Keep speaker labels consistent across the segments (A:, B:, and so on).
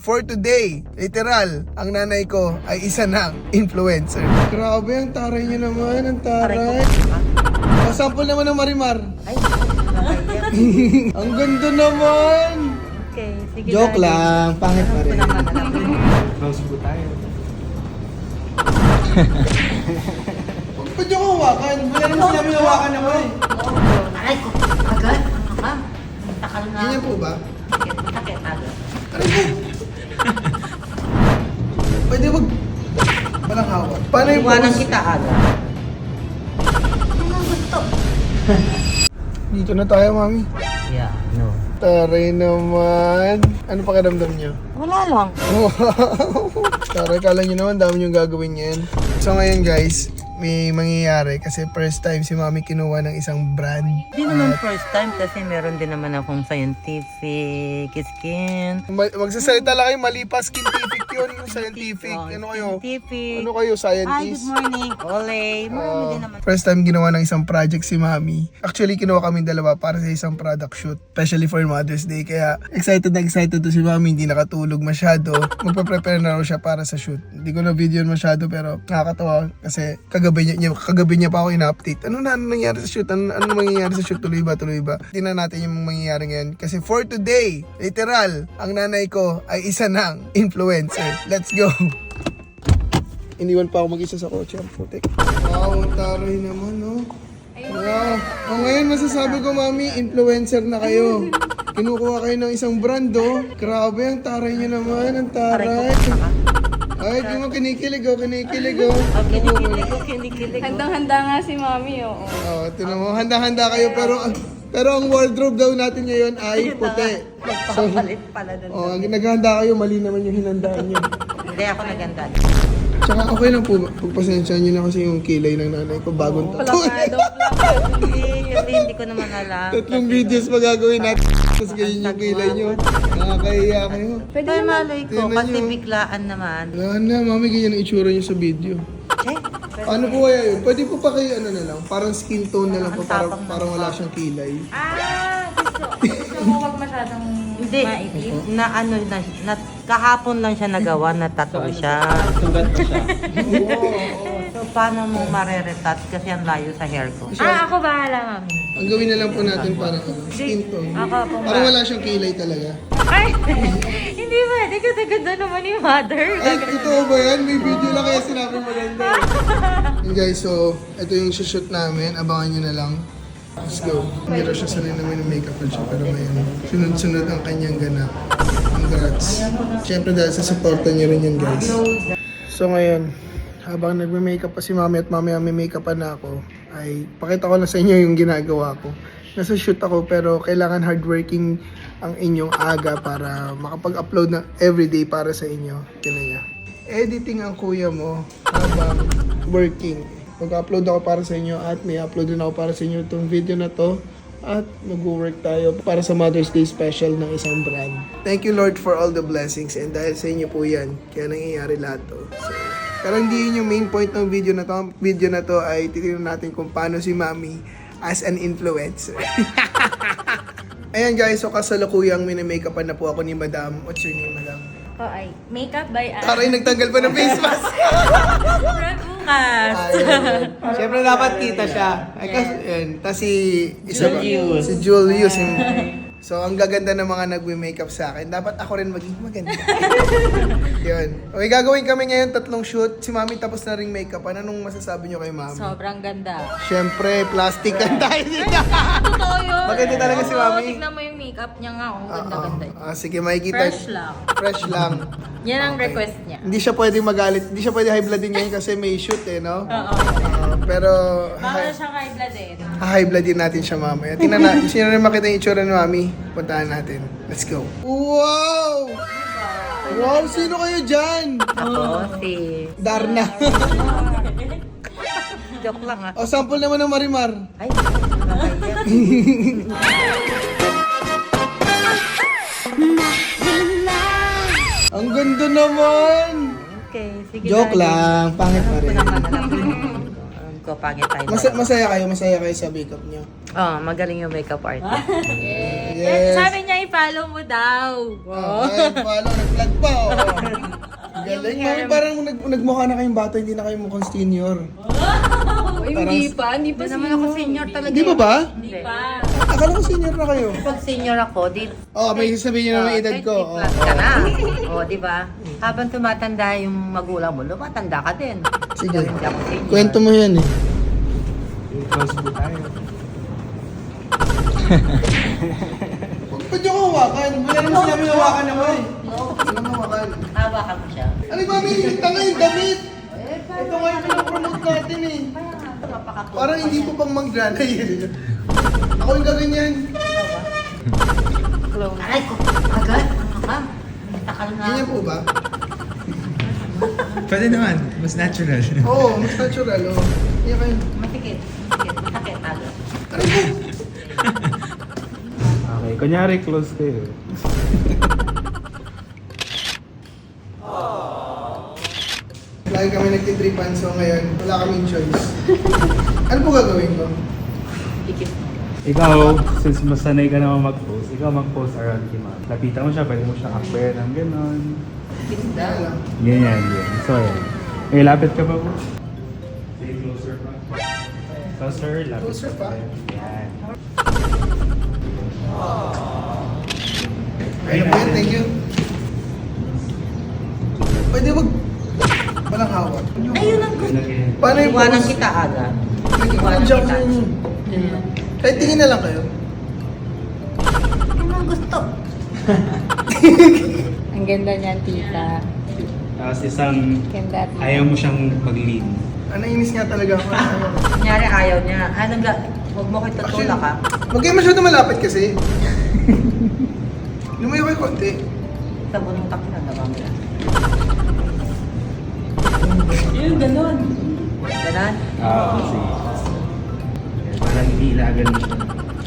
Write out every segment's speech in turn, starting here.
A: for today, literal, ang nanay ko ay isa ng influencer. Grabe, ang taray niyo naman, ang taray. Sample naman ng Marimar.
B: Ay, nakaya.
A: Ang ganda naman.
B: Okay, sige.
A: Joke lang, pangit pa rin.
C: Close po tayo.
A: Ba't yung hawakan? Wala naman sinabi hawakan ako eh.
B: Aray ko, agad. Ma'am, takal na.
A: Ganyan po ba?
B: Takit, agad.
A: Aray ko! Pwede wag... Walang hawak. Paano yung
B: Iwanan
A: pose?
B: kita agad. Ano gusto?
A: Dito na tayo, mami.
B: Yeah, no.
A: Taray naman. Ano pakiramdam niyo?
B: Wala lang.
A: Wow! Taray, kala nyo naman, dami nyo gagawin yan. So ngayon guys, may mangyayari kasi first time si mami kinuha ng isang brand.
B: Hindi naman first time kasi meron din naman akong scientific skin.
A: Magsasalita lang kayo, mali pa, scientific yun, yung scientific. Ano kayo?
B: Scientific.
A: Ano kayo,
B: Hi, good
A: scientist?
B: morning. Ole. Marami din naman.
A: First time ginawa ng isang project si mami. Actually, kinuha kami dalawa para sa isang product shoot. Especially for Mother's Day. Kaya excited na excited to si mami. Hindi nakatulog masyado. Magpa-prepare na raw siya para sa shoot. Hindi ko na video masyado pero nakakatawa. Kasi kagabi niya pa ako ina-update. Ano nangyari sa shoot? Ano mangyayari sa shoot? Tuloy ba? Tingnan natin yung mangyayari ngayon. Kasi for today, literal, ang nanay ko ay isa ng influencer. Let's go! Iniwan pa ako mag-isa sa kotse. Ang putik. Wow, taray naman, no? Wow. O ngayon, masasabi ko, mami, influencer na kayo. Kinukuha kayo ng isang brand, oh. Grabe, ang taray nyo naman. Ang taray. Ay, di mo kinikilig, oh.
B: Kinikilig.
D: Handang-handa nga si Mami, oo.
A: Oh, tinan mo, handa-handa kayo, pero ang wardrobe daw natin ngayon ay puti.
B: Magpapalit pala doon.
A: Oh, ang naghahanda kayo, mali naman yung hinandaan nyo.
B: Hindi ako naganda.
A: Tsaka okay lang po, pagpasensya nyo na kasi yung kilay ng nanay ko, bagong tato.
B: Hindi ko naman alam.
A: 3 videos pa gagawin natin, tapos ganyan yung kilay nyo. Nakakahiya kayo.
D: Pwede
B: Ay,
D: naman.
B: malay ko.
A: Tingnan
B: Kasi
A: nyo.
B: biglaan naman.
A: Wala na, mami, ganyan ang itsura nyo sa video.
B: Eh,
A: Ano po kaya yun? Pwede po pa kayo, ano na lang, parang skin tone na lang po,
B: Ang tapang
A: parang
B: ng
A: wala
B: mukha.
A: siyang kilay.
D: Gusto mo wag masyadong
B: Hindi.
D: maitim?
B: Na ano na kahapon lang siya nagawa na tattoo siya.
C: Sugat pa siya.
B: So paano mo mareretat kasi ang layo sa hair ko.
D: Ako bahala, Mami.
A: Ang gawin na lang po natin parang ano, skin tone.
D: Ako po
A: Parang wala siyang kilay talaga.
D: Ay! Hindi ba? Di ganda naman ni Mother.
A: Ay, totoo ba yan? May video lang kaya sinabi maganda. And guys, so, ito yung shoot namin. Abangan nyo na lang. Let's go. Hindi raw siya sanay naman ng makeup siya, pero ngayon, sunod-sunod ang kanyang ganap. Congrats. Siyempre dahil sa supporta niyo rin yan, guys. So ngayon, habang nagme-makeup pa si mami at mamaya may makeup pa na ako, ay pakita ko na sa inyo yung ginagawa ko. Nasa shoot ako pero kailangan hardworking ang inyong aga para makapag-upload na everyday para sa inyo. Tignan niya. Editing ang kuya mo habang working. Mag-upload ako para sa inyo at may upload din ako para sa inyo itong video na to. At mag-work tayo para sa Mother's Day special ng isang brand. Thank you Lord for all the blessings and dahil sa inyo po yan, kaya nangyayari lahat to. So, pero hindi yun yung main point ng video na to. Ang video na to ay titignan natin kung paano si Mami as an influencer. Ayan guys, so kasalukuyang mini-makeupan na po ako ni Madam. What's your name, Madam?
D: Ako ay makeup by
A: Taray, nagtanggal pa ng face mask.
D: Bukas.
A: Siyempre dapat kita siya. Ay, kasi, yun. Tapos si
B: Julius.
A: Si Julius. So, ang gaganda ng mga nagwe-makeup sa akin. Dapat ako rin maging maganda. Yun. Okay, gagawin kami ngayon 3 shoot. Si Mami tapos na ring makeup. Anong masasabi nyo kay Mami?
D: Sobrang ganda.
A: Siyempre, plastic lang tayo dito.
D: Totoo yun.
A: Maganda talaga si Mami.
D: Tignan mo yung makeup niya nga. Oh, ganda-ganda.
A: Sige, makikita.
D: Fresh lang.
A: Fresh lang.
D: Yan ang request niya.
A: Hindi siya pwede magalit. Hindi siya pwede high bloodin ngayon kasi may shoot eh, no?
D: Oo.
A: Pero,
D: Bawal siya kay blood eh.
A: high bloodin natin siya mamaya. Tingnan na, sino rin makita yung itsura ni Mami? Puntahan natin. Let's go. Wow! Wow, sino kayo dyan?
B: Ako si
A: Darna.
B: joke lang ah.
A: O, sample naman ng Marimar.
B: Ay, nakaya.
A: Ang ganda naman!
B: Okay, sige.
A: Joke lang, pangit pa rin.
B: Hindi ko naman alam. ko, pangit tayo.
A: Masaya kayo sa makeup niyo.
B: Oh, magaling yung makeup artist.
A: Yes.
D: Sabi niya, i-follow mo daw.
A: Oh, ayun, follow, nag-vlog pa, oh. Ang galing. Mami, parang nagmukha na kayong bata, hindi na kayo mukhang senior.
D: Hindi pa
B: Hindi naman ako senior talaga.
A: Di ba ba?
B: Hindi
D: pa.
A: Akala ko senior na kayo.
B: Pag senior ako, di...
A: Oh, may sasabihin nyo naman edad ko.
B: 30 plus ka na. O, di ba? Habang tumatanda yung magulang mo, lumatanda ka din.
A: Sige.
B: Hindi ako senior.
A: Kwento mo yan eh.
C: Close po tayo.
A: Ba't yung hawakan? Wala naman sinabi hawakan naman. Wala naman hawakan.
B: Hawakan mo siya.
A: Ano ba, may tanga yung damit? Ito nga yung pinapromote natin eh. Parang hindi po pang mag-granay eh. Ako yung gaganyan.
B: Aray ko, agad. Ano ka? Takal na.
A: Ganyan po ba?
C: Pwede naman. Mas natural.
A: Oo, mas natural. Oh. Ganyan kayo.
B: Matikit. Matikit. Matikit. Agad.
A: Ano po?
C: Okay, kunyari close kayo.
A: Lagi kami nagtitripan, so ngayon wala kaming choice. Ano po gagawin ko?
B: Tikit.
C: Ikaw, since masanay ka naman mag-post, ikaw mag-post around kay ma'am. Lapitan mo siya, pwede mo siya akper ng gano'n.
B: Tikit daw.
A: Kaya lang.
C: Ganyan, yan. So, yan. Eh, lapit ka pa po? Say closer pa. Closer, lapit
A: Closer pa?
C: Yan.
A: Ayun po yun, thank you. Pwede wag... Walang hawak.
B: Ayun ang gusto.
A: Paano yung
B: Iwanan
A: pose?
B: kita agad.
A: Nag-iwanan siya ako sa inyo. Kahit tingin na lang kayo.
B: Ayun ang gusto.
D: Ang ganda niyan, tita.
C: Tapos isang,
D: Ganda.
C: ayaw mo siyang mag-lean.
A: Nainis nga talaga ako.
B: Kunyari ayaw niya. Ano ga? Huwag mo kayo tutulak ha.
A: Huwag kayo masyado malapit kasi. Lumayo kayo konti.
B: Sa bunong takot na naman mo yan.
D: Yun, ganun.
B: Ganon?
C: Sige. Parang iniilagan mo siya.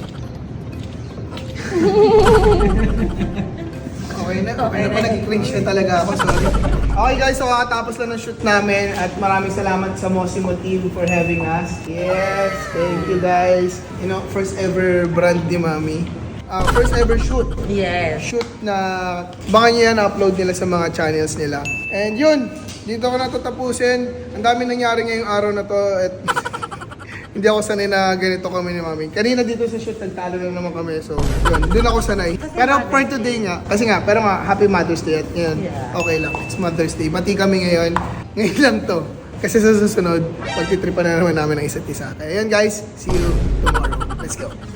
A: Okay na po. Nag-cringe na talaga ako. Sorry. Okay guys, so kakatapos lang ng shoot namin at maraming salamat sa Mosimo team for having us. Yes, thank you guys. You know, first ever brand ni Mami. First ever shoot.
B: Yes.
A: Shoot na baka niya na-upload nila sa mga channels nila. And yun, dito ko natatapusin. Ang dami nangyari ngayong araw na to at hindi ako sanay na ganito kami ni Mami. Kanina dito sa shoot, nagtalo lang naman kami. So, yun, dun ako sanay. Pero for today nga, kasi nga, pero nga, Happy Mother's Day at yun,
B: Yeah.
A: okay lang. It's Mother's Day. Bati kami ngayon. Ngayon lang to. Kasi sa susunod, pagtitripan na naman namin ng isa't isa. Kaya yun guys, see you tomorrow. Let's go.